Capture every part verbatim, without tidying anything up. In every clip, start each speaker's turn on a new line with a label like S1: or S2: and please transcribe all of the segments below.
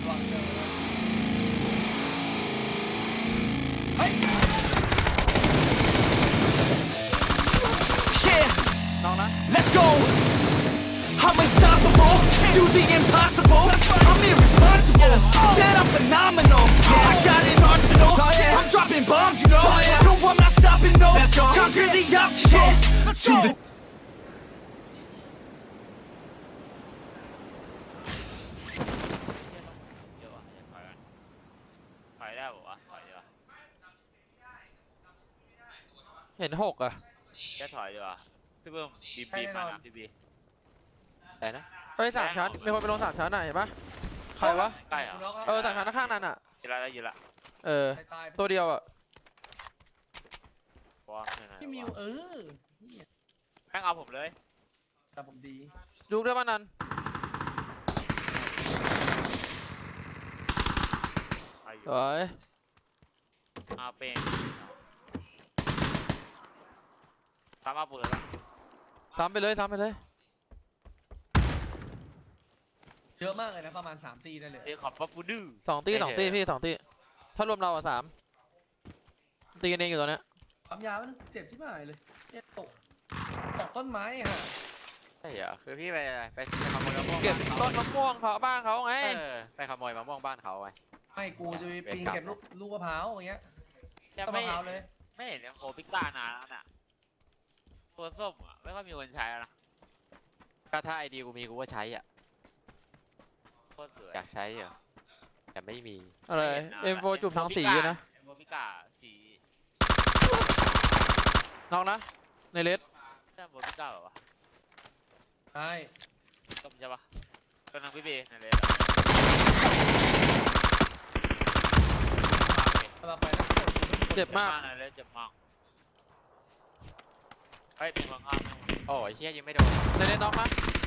S1: วางเจอเฮ้ยน้องนะ
S2: Let's go. I'm unstoppable. Do the impossible. I'm irresponsible. Said I'm phenomenal. I got an arsenal. I'm dropping bombs, you know. No, I'm not stopping, no. Conquer the obstacle. To the
S3: ถอยได้ปะวะถอยดีกว่า
S4: เห็นหกอ่ะ
S3: แค่ถอยดีกว่าพี่เบิ้มบีบีมานะพี่บี
S5: แต่นะ
S4: ไปสามชั้นมีคนไปลงสามชั้นอ่ะเห็นปะใครวะ
S3: ใกล้เหรอ
S4: เออสามชั้นข้างนั้นอ่ะ
S3: ยืนละได้ยืนละ
S4: เออ
S1: ตาย
S4: ตัวเดียวอ่ะ
S3: วอร์มใช่ไหม
S1: พี่มิวเออ
S3: แม่งเอาผมเลย
S1: แต่ผมดี
S4: ดูได้ป่ะนัน
S3: ไปอยู่
S4: สวย
S3: เอาเป็นสามารถเปิดแล้ว
S4: ซ้ำไปเลยซ้ำไปเลย
S1: เยอะมากเลยนะประมาณสามตีได้เลย
S3: เอ้ยขอบพระปูดื้อ
S4: สองตีสองตีพี่สองตีถ้ารวมเราอ่ะสามตีกันเองอยู่ตอนเนี้ย
S1: ปั๊มยามันเจ็บชิบหายเลยเนี่ยตกตกต้นไม้อ่ะ
S5: ใช่เหรอคือพี่ไปอะไรไปไปขโมยมะม่วง
S4: เก็บ
S5: บ้าน
S4: ต้
S5: เขา
S4: นมะม่วงเขาบ้านเขาไง
S5: เออไปขโมยมะม่วงบ้านเขาไง
S1: ไม่กูจะไปปีนเก็บลูกลูกมะพร้าวอย่างเงี้ย
S3: จะ
S1: ต้น
S3: ไม่
S1: มะพร้าวเลย
S3: ไม่เห็นโคพิก้านานแล้วน่ะตัวส้มอ่ะไม่ค่อยมีคนใช้แล้วนะ
S5: ก็ถ้าไอดีกูมีกูก็ใช้อ่ะ
S3: โคตรสวย
S5: อยากใช้เหรอแต่ไม่มี
S4: อะไรเอ็มโฟจุ่มทั้งสีนะ
S3: เอ็มโฟพิก้าสี
S4: น้องนะในเลส
S3: ใช่เอ็มโฟพิก้าเหรอวะ
S1: ใช่
S3: ส้มใช่ปะกำลังพี่เบย์นั่นเลย
S1: สลับไปแล้วกด
S4: เจ็บมาก
S3: นั่นเลยเจ็บมากเฮ้ยเป็นบางงาน
S5: โอ้ยเฮียยังไม่โดน
S4: ในเลสน้องนะ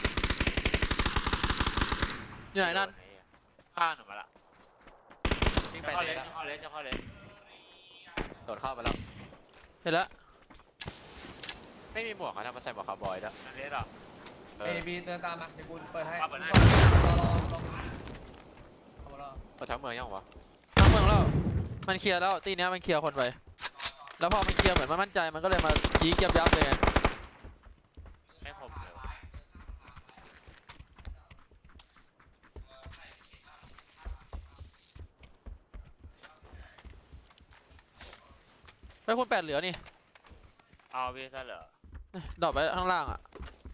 S4: อยู่ไหนนั่น
S3: ข้างหนูมาละ
S5: วิ่ง
S3: จะ
S5: ไป
S3: เข้า
S5: เล
S3: เลย
S5: ย
S3: จะเข้าเลยจะเข้าเลย
S5: โดดเข้ามาแล้ว
S4: เห็นแล้ว
S5: ไม่มีหมวกเขาทำมาใส่หมวกคาวบอยแล้ว
S3: นั่นเลยหรอ
S5: เอ
S1: เอ
S5: อ
S1: บีเดินตามมาเดี๋ยวกูเปิดให้
S3: เอาเปิดให้
S1: รอรอรอรอเอามารอ
S5: เอาทั้งเมืองยังวะ
S4: ทั้งเมืองแล้วมันเคลียร์แล้วตีเนี้ยมันเคลียร์คนไปแล้วพอมันเคลียร์เหมือนมันมั่นใจมันก็เลยมาจี้เกียบยับเลยไง
S3: ไม่คมเลย
S4: ไปคุณแปดเหลือนี่
S3: เอาพี่ซะเหรอ
S4: ดรอปไปข้างล่างอ่ะ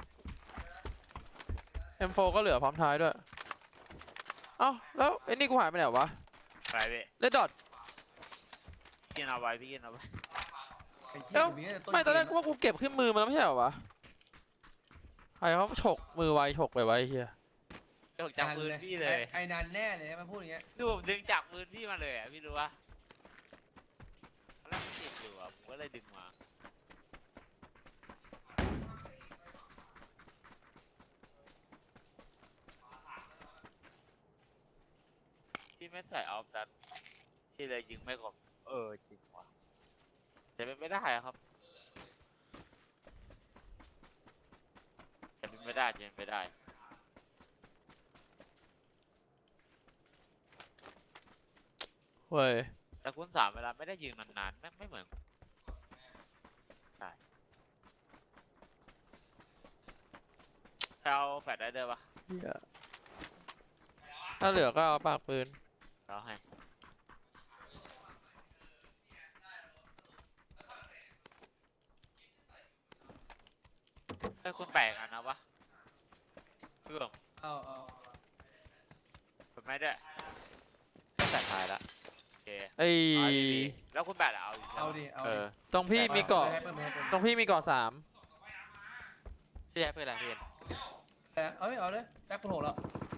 S4: เอ็มโฟ ก็เหลือพร้อมท้ายด้วย เอ้าแล้วไอ้นี่กูหายไปไหนวะ
S3: ไปพี่
S4: เลดดอท
S3: กินเอาไว้พี่กินเอาไว้
S1: ไอ้เหี้ย
S4: เอ้า
S1: กูเนี่ย
S4: ไม่ตอนแรก
S1: เก
S4: กูว่ากูเก็บขึ้นมือมาแล้วไม่ใช่เหรอวะใครเขาฉกมือไวฉกไปไว้เฮีย
S3: เดี๋ยวผมจับปืนพี่เลย
S1: ไอ้ไอ้นันแน่เลยมันพูดอย่างเงี้ย
S3: คือผมดึงจับปืนพี่มาเลยอ่ะพี่รู้ปะตอนแรกมันติดอยู่อ่ะผมก็เลยดึงมาพี่ไม่ใส่ออฟดัตพี่เลยยิงไม่คมเออจริงว่ะแต่เป็นไม่ได้อะครับแต่เป็นไม่ได้จะเป็นไม่ได้
S4: เว้ย
S3: แต่คุณสามเวลาไม่ได้ยิงนานๆไม่ไม่เหมือนได้เอาแฟลชได้ด้วยปะ
S4: เหี้ยถ้าเหลือก็เอาปากปืน
S3: เราให้ไอ้ยคุณแปลกอันนะวะเพื่อน
S1: เอาเอา
S3: ผมไม่ได้
S5: แต่ท้ายละ
S3: โอเค
S4: ไอ้
S3: เอาดีๆแล้วคุณแปลกอะเอาอยู่ใช่
S1: เอา
S3: ปะ
S1: ดิเอา
S5: เอ
S1: ดิ
S5: อ
S4: ตรงพี่มีเกาะ
S1: ให้เปิดให้เปิด
S4: ตรงพี่มีเกาะสาม
S5: พี่ใช้เพื่ออะไรพี่
S1: แต่เอาไม่เอาเลยแจ็คคุณโหดแล้ว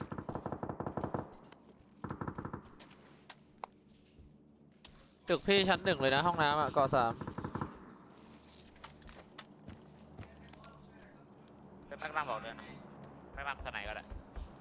S4: ตึกพี่ชั้นหนึ่งเลยนะห้องน้ำอ่ะเกาะสาม
S3: เป็นแม็กนัมบอกเลยนะแม็กนัมขนาดไหนก็ได้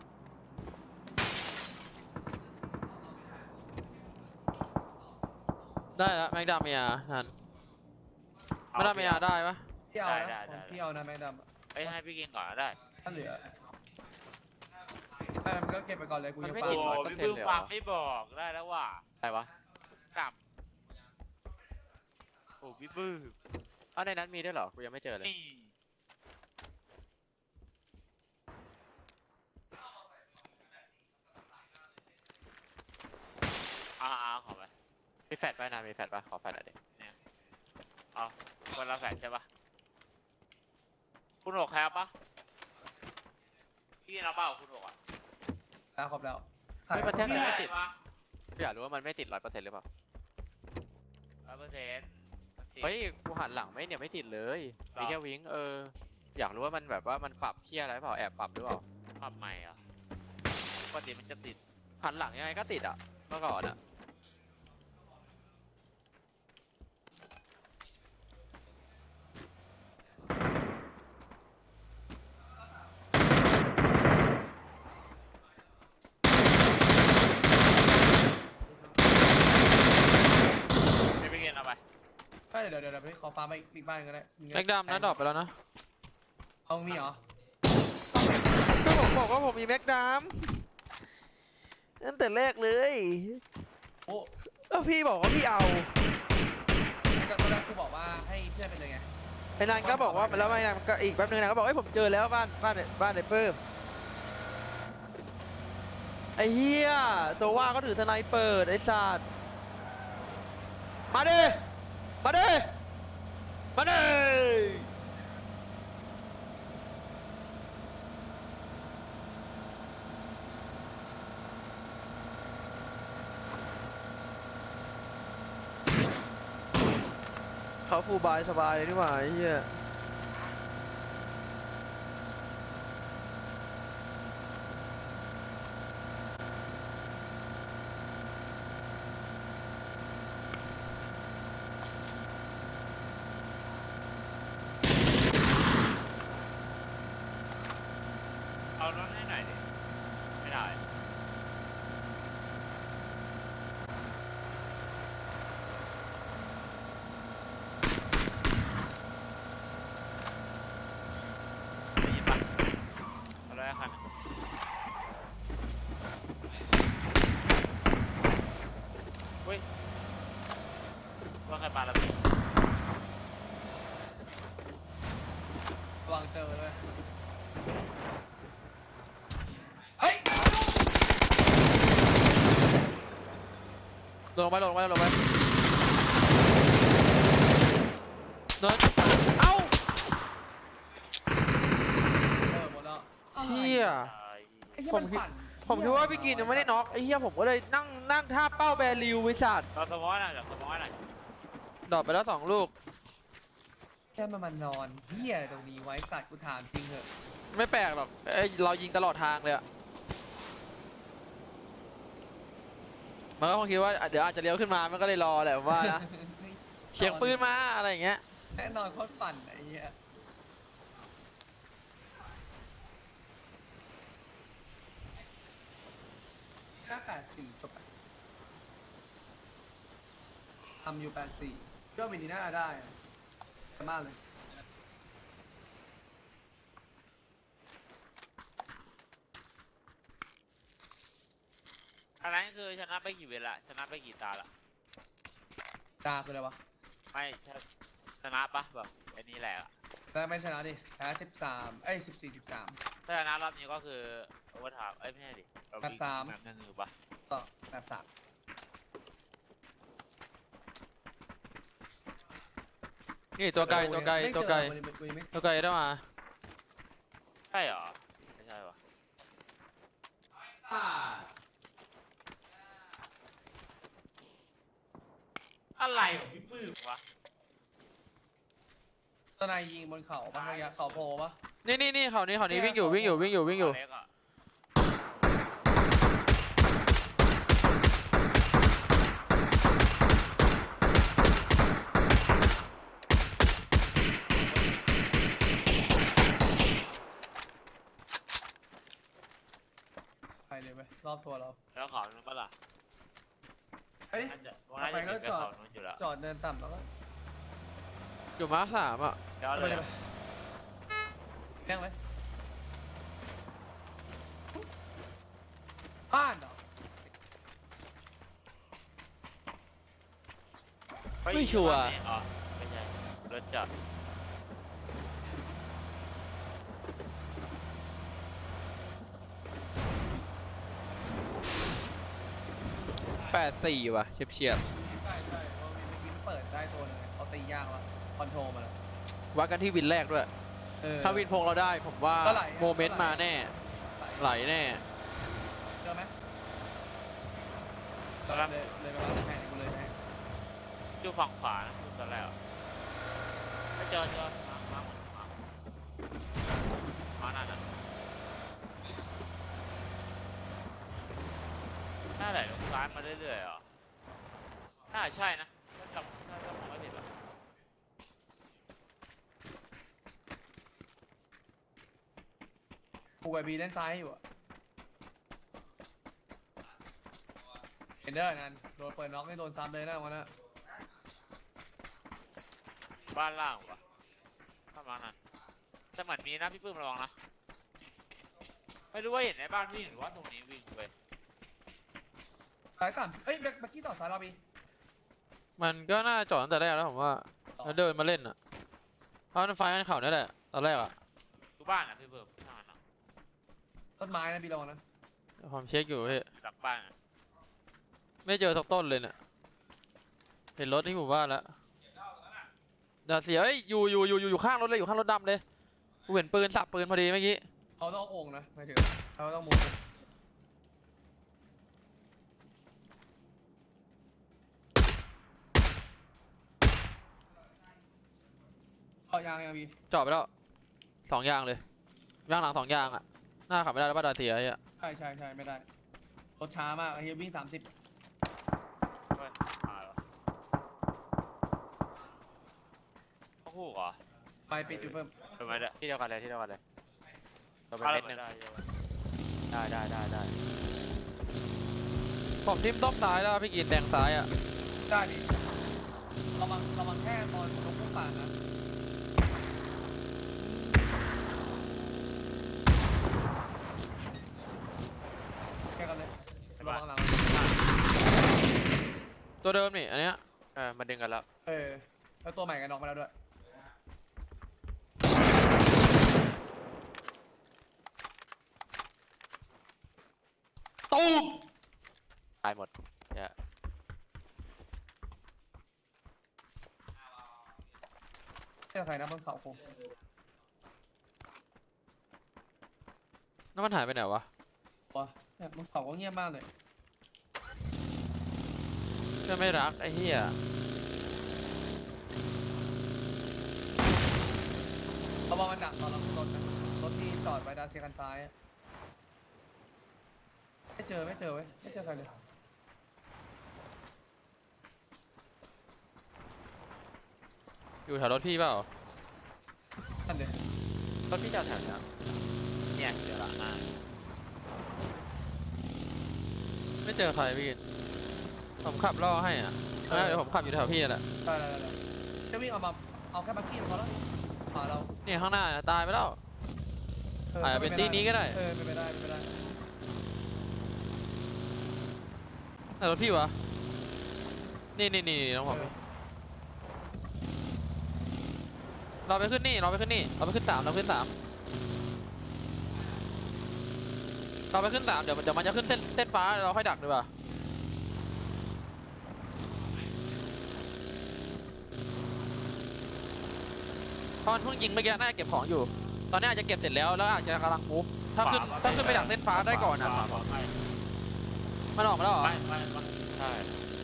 S4: ได้แล้วแม็กดาเมียนั่นแม็กดาเมียได้ปะ
S1: พี่เอานะผมพี่เอานะแม็กดำอะ
S3: เอ้ยให้พี่กินก่อนก็ได้
S1: ถ้าเหลือ
S4: ไ
S1: ไม่มันก็เก็บไปก่อนเลยกู
S5: มัน
S1: ยัง
S5: ไม่
S1: ฟัง
S5: ติด
S3: โอ้
S5: ร้อยเปอร์
S3: พี่
S5: เซ็นต์
S3: บึ้ง
S5: เลยเหรอ
S3: ฟังไม่บอกได้แล้วว่ะ
S5: อะไรวะ
S3: กลับโอ้พี่บึ้ง
S5: อ้าวในนั้นมีด้วยเหรอ กูยังไม่เจอเลย
S3: นี่อ่าๆขอไป
S5: มีแฟดป่ะนะมีแฟดป่ะขอแฟดหน่อยดิ
S3: เอาคนละแฟนใช่ปะคุณหกแคปปะพี่เราเปล่าคุณหกอ่ะ
S1: แล้วครบแล้ว
S5: เฮ้ยมันแทบจะไม่ติด
S3: ปะ
S5: กูอยากรู้ว่ามันไม่ติดร้อยเปอร์เซ็นต์หรือเปล่า
S3: ร้อยเปอร์เซ็นต์
S5: เฮ้ย กูหันหลังไม่เนี่ยไม่ติดเลย
S3: หรอ
S5: มีแค่วิงเออ อยากรู้ว่ามันแบบว่ามันปรับเที่ยอะไรเปล่า แอบปรับหรือเปล่า
S3: ปรับใหม่อ่ะปกติมันจะติด
S5: หันหลังยังไงก็ติดอ่ะ เมื่อก่อนอ่ะ
S3: ไม่ไปเรียนเอาไป
S1: ใช่เดี๋ยวเดี๋ยวเดี๋ยวไปขอฟาร์มไปอีกบ้านก็ได้
S4: แม็กดำนะดรอปไปแล้วนะ
S1: เอามีเหรอ
S4: ก็ผมบอกว่าผมมีแม็กดำตั้งแต่แรกเลย
S1: โอ้
S4: แล้วพี่บอกว่าพี่เอา
S1: ก็ตอนแรกกูบอกว่าให้เพื่อนไปเลยไง
S4: ไอ้นานก็บอกว่าแล้วไม่นานก็อีกแป๊บนึงนะก็บอกไอ้ยผมเจอแล้วบ้านบ้านบ้านไอ้เพิ่มไอ้เฮียโซว่าก็ถือทนายเปิดไอ้สัตว์มาดิมาดิมาดิเขาฟูลบายสบายเลยนี่หว่าไอ้เหี้ย
S3: เอารถให้หน่อยดิไม่ได้ได้ยินปะเอารถให้คันหนึ่งเฮ้ยว่าใครปาระเบิด
S1: ระวังเจอเลยเฮ้ย
S4: ลงไปลงไปลงไปเนินเอ้า
S1: เออหมดแล้ว
S4: เชี่ย
S1: ไอ้เหี้ย
S4: ผมคิด
S1: นปั่น
S4: ผมคิดว่าพี่กินยังไม่ได้น็อกไอ้เหี้ยผมก็เลยนั่งนั่งท่าเป้าแบริวไว้สัตว์
S3: เราสมองหน่อยเราสมองหน่อย
S4: ดรอปไปแล้วสองลูก
S1: แค่มันมานอนเหี้ยตรงนี้ไว้สัตว์กูถามจริงเหอะ
S4: ไม่แปลกหรอกเอ้ยเรายิงตลอดทางเลยอะมันก็คงคิดว่าเดี๋ยวอาจจะเลี้ยวขึ้นมามันก็เลยรอแหละผมว่านะเสียงปืนมาอะไรอย่างเงี้ย
S1: แน่นอนโคตรปั่นไอ้เหี้ยห้าแปดสี่จบอะทำอยู่แปดสี่ก็วินดีน่าได้อะมากเลย
S3: อันนั้นคือชนะไปกี่เวลาชนะไปกี่ตาละ
S1: ตาคืออะไรวะ
S3: ไม่ชนะชนะปะแบบไอ้นี่แหละอะ
S1: แต่ไม่ชนะดิแพ้สิบสามเอ้ยสิบสี่สิบสาม
S3: ถ้าชนะรอบนี้ก็คือโอเวอร์ไทม์เอ้ยไม่ใช่ดิเร
S1: แบบสาม
S3: แบบหนึ่งหรือปะ
S1: ต่อแบบสาม
S4: นี่ตัวไกลตัวไกล
S1: ม่เจอ
S4: ตัวไกล
S1: วันนี้วันนี้ไม่
S4: ตัวไกลได้มา
S3: ใช่เหรอไม่ใช่วะอะไรของพี่ปื้มวะ
S1: ตอนนายยิงบนเขาปะระยะเขาโพปะ
S4: นี่นี่นี่เขานี้เขานี้วิ่งอยู่วิ่งอยู่วิ่งอยู่วิ่งอยู่
S3: เล็กอะ
S1: ไปเลยไปรอบตัวเรา
S3: แล้วขอนู้นปะล่ะ
S1: เอ้ย
S3: น่าจะว่าน่าจะ
S1: ไปก็
S3: ถึงไป
S1: จอด
S3: เขานู้นอยู่แล้ว
S1: จอดเดินต่ำแล้วก็
S4: อยู่มาร์คสามอ่ะ
S3: เดี๋ยว
S1: ไป
S3: เลย
S1: เลยแกล้งเลยบ้านเหรอ
S4: ไม่ชัวร์
S3: อ๋อไม่ใช่รถจอด
S4: แปดสี่ว่ะเฉียบเฉียบ
S1: ใช่ใช่เพราะเมื่อกี้มันเปิดได้ตัวหนึงไงเขาตียากแล้วคอนโทรลมาแล้ว
S4: วัดกันที่วินแรกด้วย
S1: เออ
S4: ถ้าวินพงเราได้ผมว่า
S1: ก็ไหลอะ
S4: โมเมนต์มาแน่ ไหลแน่
S1: เจอไหมเลยเลยไปวางแผนกูเลยแผน
S3: อยู่ฝั่งขวานะดูตอนแรกอะไม่เจอเจอมามาหมดมามานั่นน่ะหน้าไหลลงซ้ายมาเรื่อยๆเหรอน่าใช่นะถ้าจำถ้าจำไม่ผิดอะ
S1: กูกับบีเล่นซ้ายอยู่อะเห็นเด้อนั่นโดนเปิดน็อกนี่โดนซ้ำเลยนะวันนั้น
S3: บ้านล่างวะประมาณนั้นแต่เหมือนมีนะพี่ปื้มระวังนะไม่รู้ว่าเห็นในบ้านวิ่งหรือว่าตรงนี้วิ่งไป
S1: ซ้ายก่อนเอ้ยแบ็คแบ็คกี้ต่อซ้ายเราบี
S4: มันก็น่าจอดตั้งแต่แรกแล้วผมว่าแล้วเดินมาเล่นอ่ะเพราะมันไฟกันเข่านี่แหละตอนแรกอ่ะ
S3: ดูบ้านอ่ะพี่ปื้มข้างนั้นอะ
S1: ต้นไม้นะบีระวังนะ
S4: ผมเช็คอยู่พี่
S3: หลังบ้านอะ
S4: ไม่เจอสักต้นเลยเนี่ยเห็นรถที่หมู่บ้านแล้วดาเสียเอ้ยอยู่อยู่อยู่อยู่อยู่ข้างรถเลยอยู่ข้างรถดำเลยกูเห็นปืนสับปืนพอดีเมื่อกี้
S1: เขาต้องเอาโอ่งนะหมายถึงเขาต้องมุดเอายางยังบี
S4: จอดไปแล้วสองยางเลยยางหลังสองยางอ่ะหน้าขับไม่ได้แล้วบ้านดาเสียไอ้อะ
S1: ใช่ใช่ใช่ไม่ได้รถช้ามากไอ้เฮียวิ่งสามสิบ
S3: เฮ้ยมาแล้วต้องหูกเหรอ
S1: ไปปิดอยู่เพิ่ม
S3: ทำไมเนี่ย
S5: ที่เดียวกันเลยที่เดียวกันเลยเราไป
S3: เอา
S5: เม็
S3: แล้ว
S5: ดหนึ่ง
S3: ได้เยอะ
S5: ได้ได้ได้ได้
S4: ผมทิมต้อมซ้ายแล้วพี่กินแดงซ้ายอ่ะ
S1: ได้ดิระวังระวังแค่ตอนลงพุ่งป่านนะแค่กันเลยระวังหลัง
S4: ตัวเดิมนี่อันเนี้ย
S5: เออมาดึงกันแล้ว
S1: เออแล้วตัวใหม่กันน็อกมาแล้วด้วย
S4: ตูม
S5: ตายหมดเนี่ย
S1: เจ้าใครนะบนเขาโคง
S4: แล้วมันหายไปไหนวะ
S1: วะเนี่ยบนเขาก็เงียบมากเลย
S4: เพื่อนไม่รักไอ้เหี้ย
S1: ระวังมันดักตอนเราขึ้นรถนะรถที่จอดไว้ด้านเซียกันซ้ายอะไม่เจอไม่เจอเว้ยไม่เจอใครเลย
S4: อยู่แถวรถพี่เปล่า
S1: นั่นเด็
S5: รถพี่จอดแถวเนี้ยเนี่ยเดี๋ยวละหน้า
S4: ไม่เจอใครพี่กินผมขับล่อให้อ่ะเออเดี๋ยวผมขับอยู่แถวพี่นั่นแหละ
S1: ได้ได้ได้จะวิ่งเอามาเอาแค่บักกี้พอแล้วขวาเรา
S4: นี่ข้างหน้าตายไปแล้ว อาจจะเป็นที่นี้ก็ได้
S1: เออเป็นไปได้เป็นไปได้
S4: แต่รถพี่วะนี่นี่นี่น้องผม
S1: เออ
S4: เราไปขึ้นนี่เราไปขึ้นนี่เราไปขึ้นสามเราขึ้นสามเราไปขึ้นสามเดี๋ยวเดี๋ยวมันจะขึ้นเส้นเส้นฟ้าเราค่อยดักดีกว่าเพราะมันเพิ่งยิงเมื่อกี้น่าจะเก็บของอยู่ ตอนนี้อาจจะเก็บเสร็จแล้วแล้วอาจจะกำลังมูฟถ้าขึ้นถ้าขึ้นไปดักเส้นฟ้าได้ก่อนอ่ะ
S3: ขวาขวาไป
S4: มันออกมาแล้วเหรอ
S3: ไปไปไป
S5: ใช่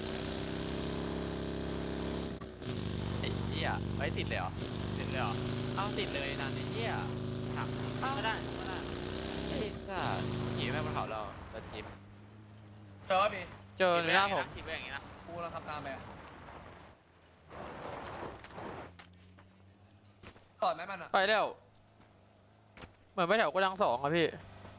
S5: ไอ้เหี้ยไว้ติดเลยเหรอ
S3: ติดเลยเหรอ
S5: เอ้าติดเลยนะไอ้เหี้ย
S3: หักไม่ได้ไม่ได้
S5: ไอ้สัสขี่แม่งบนเขาเรารถจิ๊บ
S1: เจอพี่
S4: เจอในหน้าผม
S3: คิดไว้อย่างนี้นะ
S1: กูเราทำตามไปอะก่อนไหมมันอ่ะ
S4: ไปแล้วเหมือนไปแถวกระดังสองอะพี่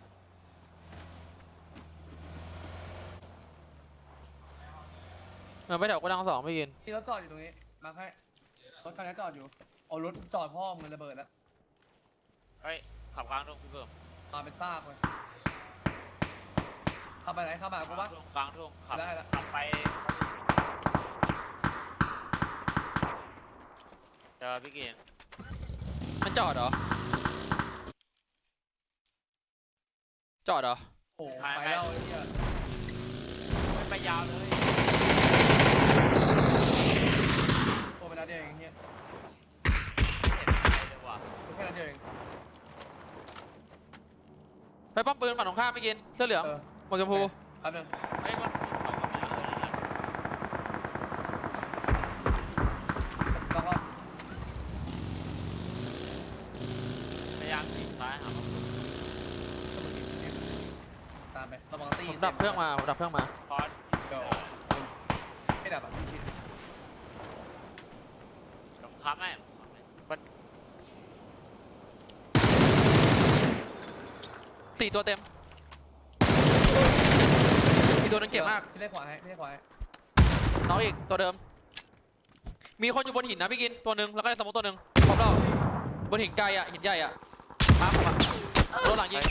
S4: เหมือนไปแถวกระดังสองไม่กิน
S1: ที่รถจอดอยู่ตรงนี้มาให้รถคันนี้จอดอยู่เอารถจอดพ่อมันระเบิดแล้ว
S3: เฮ้ยขับกลางตรงพี่เพิ่ม
S1: มาเป็นซากเลยเข้าไปไหนเข้ามากูปะ
S3: ทุ่งกลางทุ่งขับ
S1: ได้ละ
S3: ขับไปเจอพี่กิน
S4: มันจอดเหรอจอดเหรอ
S1: โอ้ไปแล้วไอ้เหี้ย
S3: ไม่ไปยาวเลย
S1: โอ้ไปนัดเดียวเองเหี้ย
S3: ไม่เห็นอะไรเลยว่ะ
S1: แค่นัดเดียวเอง
S4: ไปป้อมปืนฝั่งตรงข้ามไม่กินเสื้อเหลือง
S1: เออ
S4: หมวกชมพู
S1: แป๊บนึง
S3: เฮ้ยมันถูกเขาก็ไม่เออนั่นน่ะ
S1: แล้วก็
S3: พยายามขีดซ้ายหา
S1: ตามไประวังตี
S4: ผมดับเครื่องมาผมดับเครื่องมา
S3: คอร์ส
S1: เดี๋ยวไม่ดับอ่ะพี่คิด
S3: ผมค้ำให้ผมค้ำให้
S4: สี่ตัวเต็มอีกตัวนึงเก็บมาก
S1: พี่เล่นขวาให้พี่เล่นขวาให้
S4: น้องอีกตัวเดิม มีคนอยู่บนหินนะพี่กินตัวหนึ่งแล้วก็ในสมมติตัวหนึ่งพร้อมเราบนหินไกลอ่ะหินใหญ่อ่ะมาผมอ่ะรถหลังยิง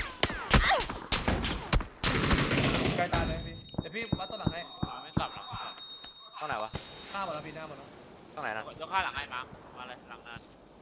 S1: ใกล้ตายเลยพี่เดี๋ยวพี่วัดตัวหลังให้
S3: อ่าไม่กลับหรอก
S5: ต้องไหนวะ
S1: หน้าหมดแล้วพี่หน้าหมดแล้ว
S5: ต้องไหนนะ
S3: ยกข้าหลังให้มามาเลยหลังนั้น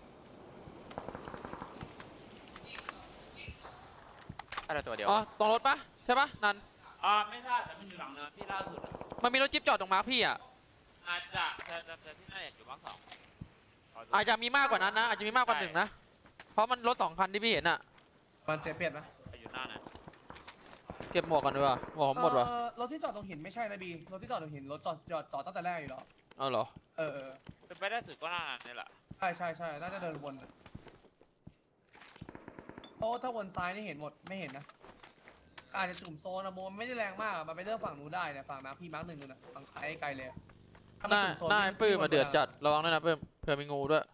S5: ได้แต่ตัวเดียว
S4: อ๋อตรงรถปะใช่ปะนัน
S3: อ่าไม่ทราบแต่มันอยู่หลังเนินที่ล่าสุดอะ
S4: มันมีรถจิ๊บจอดตรงมาร์คพี่อ่ะ
S3: อาจจะจะจะจะที่น่าจะอยู่บ้างสองขดู
S4: อาจจะมีมากกว่านั้นนะอาจจะมีมากกว่าหนึ่งนะเพราะมันรถสองคันที่พี่เห็นอ่ะ
S1: มันเสียเปรียบนะ
S3: อยู่หน้านั้น
S4: เก็บหมวกกันดีกว่าหมวกผมหมดว่ะ
S1: เอ่อรถที่จอดตรงหินไม่ใช่นะบีรถที่จอดตรงหินรถจอดจอดจอดตั้งแต่แรกอยู่แล้ว
S4: เอาเหรอ
S1: เออเออ
S3: เป็นไปได้สุดก็หน้านั้นนี่แหละ
S1: ใช่ใช่ใช่น่าจะเดินวนอะเพราะว่าถ้าวนซ้ายนี่เห็นหมดไม่เห็นนะอาจจะจุ่มโซนอะโมมันไม่ได้แรงมากอะมันไปเลือกฝั่งนู้นได้เนี่ยฝั่งน้ำพี่มาร์คหนึ่งนู่นน่ะฝั่งไกลไกลเลยอะถ้า
S4: ห
S1: มัน
S4: น้า
S1: จุ่มโซน
S4: หน้า
S1: พี่
S4: ไอ้ปื้ม
S1: พี่
S4: มาเดือดจัดระวังด้วยนะปื้มเผื่อมีงูด้วย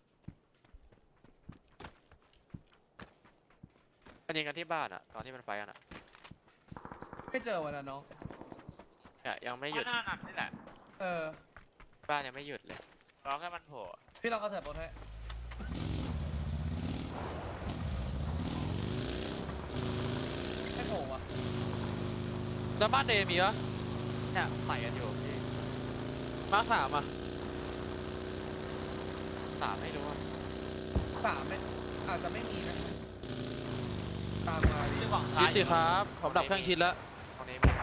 S5: มันยิงกันที่บ้านอ่ะตอนที่มันไฟกันอ่ะ
S1: ไม่เจอวันนั้นน้อง
S5: เนี่ยยังไม่หยุด
S3: หน้านั้นนี่แหละ
S1: เออ
S5: บ้านยังไม่หยุดเลย
S3: รอแค่มันโผล่
S1: พี่เราก็เถิดบนให้ไม่โผล่อะ
S4: แล้วบ้านเดมีปะ
S5: เนี่ยใส่กันอยู่พี่
S4: มาร์คสามอ่ะ
S5: สามไม่รู้ว่า
S1: สามไหมอาจจะไม่มีนะตามมาดิ
S3: ที่หวัง
S4: ชิ
S3: ซ้า
S4: ด
S3: ย
S4: สิครับผมดับเครื่องชิดแล้ว
S5: ตรงนี้ไม่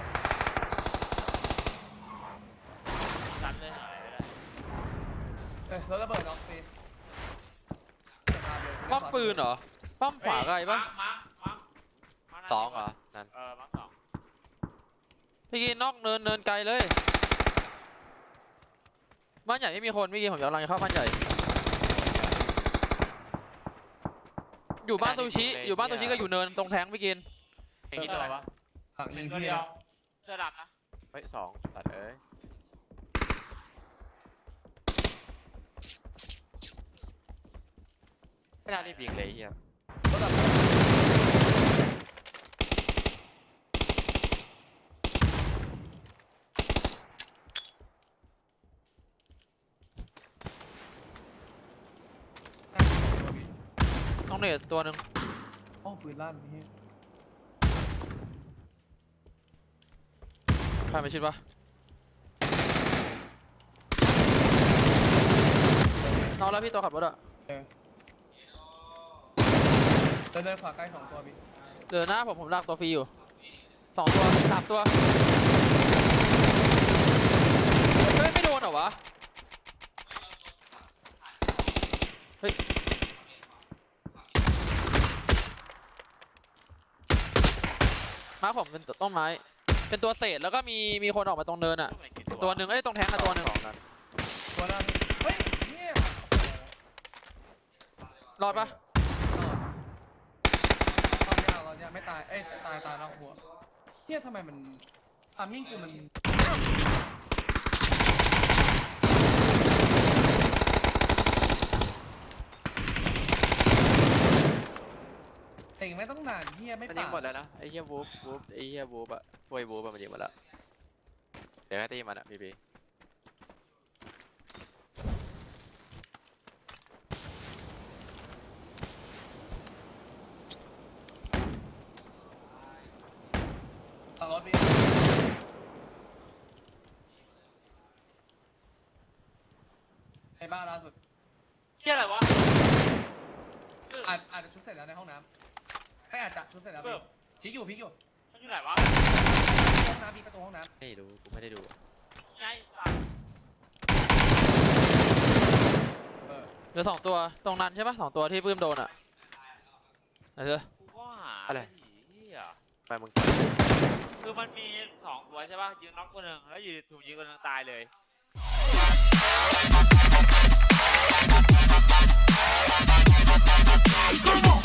S3: ซันเลยหายไปได้
S1: เอ้ยรถระเบิดน้องพี่
S4: ป้อมปืนเหรอป้อมขวาไกลปะ
S3: มาร์คมาร์คมาร์ค
S5: สองเหรอนั่น
S3: เออมาร์คสอง
S4: พี่กินนอกเนินเนินไกลเลยบ้านใหญ่ไม่มีคนพี่กินผมกำลังจะเข้าบ้านใหญ่ อยู่บ้านซูชิอยู่บ้านซูชิก็อยู่เนินตรงแทงพี่กิน
S5: ไอ้กี่ตัววะ
S1: หลัง
S3: ห
S1: ยิ
S3: นึ่
S1: ง
S3: งตัว
S1: พี่
S3: เดียว
S1: นะ
S3: เสื้อดำนะ
S5: เฮ้ยสองสัตว์เอ้ยไม่น่ารีบยิงเลยไอ้เฮีย
S1: รถดับน่าจะเป็นตัวพี่
S4: ต้องเนตตัวหนึ่ง
S1: โอ้ปืนลั่นพี่
S4: ใครไปชิดปะนอนแล้วพี่ตัวขับรถอะ
S1: เออเดินเดินขวาใกล้สองตัวพี่
S4: เดินหน้าผมผมลากตัวฟรีอยู่สองตัวสามตัวเฮ้ยไม่โดนเหรอวะเฮ้ยมาผมเป็นต้นไม้เป็นตัวเศษแล้วก็มีมีคนออกมาตรงเนินอะ
S3: ไม่กี่
S4: ตัวหนึ่งเอ้ยตรงแทงอะตัวหนึ่ง
S5: สองนั้น
S1: ตัวนั้นเฮ้ยเนี่ย
S4: รอดปะ
S1: ตอนยาวตอนยาวไม่ตาย เอ้ยตายตายนอกหัวเนี่ยทำไมมันทามมิ่งกูมันเองไม่ต้องนานเฮียไม่
S5: มัน
S1: ปา
S5: ยิงหมดแล้วนะไอ้เฮียวูฟวูฟไอ้เฮียวูฟอะพวยวูฟอะมันยิงหมดแล้วเดี๋ยวให้ตีมันอะพี่บี
S1: ต่อรถพี่บ้านล่าสุด
S3: เฮียอะไรวะ
S1: อาจอาจจะชุดเสร็จแล้วในห้องน้ำให้อาจจะชุดเสร็จแล้ว
S3: เพิ่ม
S1: พี่พลิกอยู่พลิกอยู่
S3: มันอยู่ไหนวะ
S1: ห้องน้ำพี่ประตูห้องน้
S5: ไม่รู้กูไม่ได้ดู
S3: ไงสัตว์
S1: ำเออ
S4: เหลือสองตัวตรงนั้นใช่ปะสองตัวที่ปื้มโดนอ่ะไหนเถอะ
S3: กูก็หา
S5: อะไร
S3: เฮีย
S5: ไปมึง
S3: คือมันมีสองตัวใช่ป่ะยิงน็อกตัวหนึ่งแล้วยืนถูกยิงตัวหนึ่งตายเลย
S2: Come on.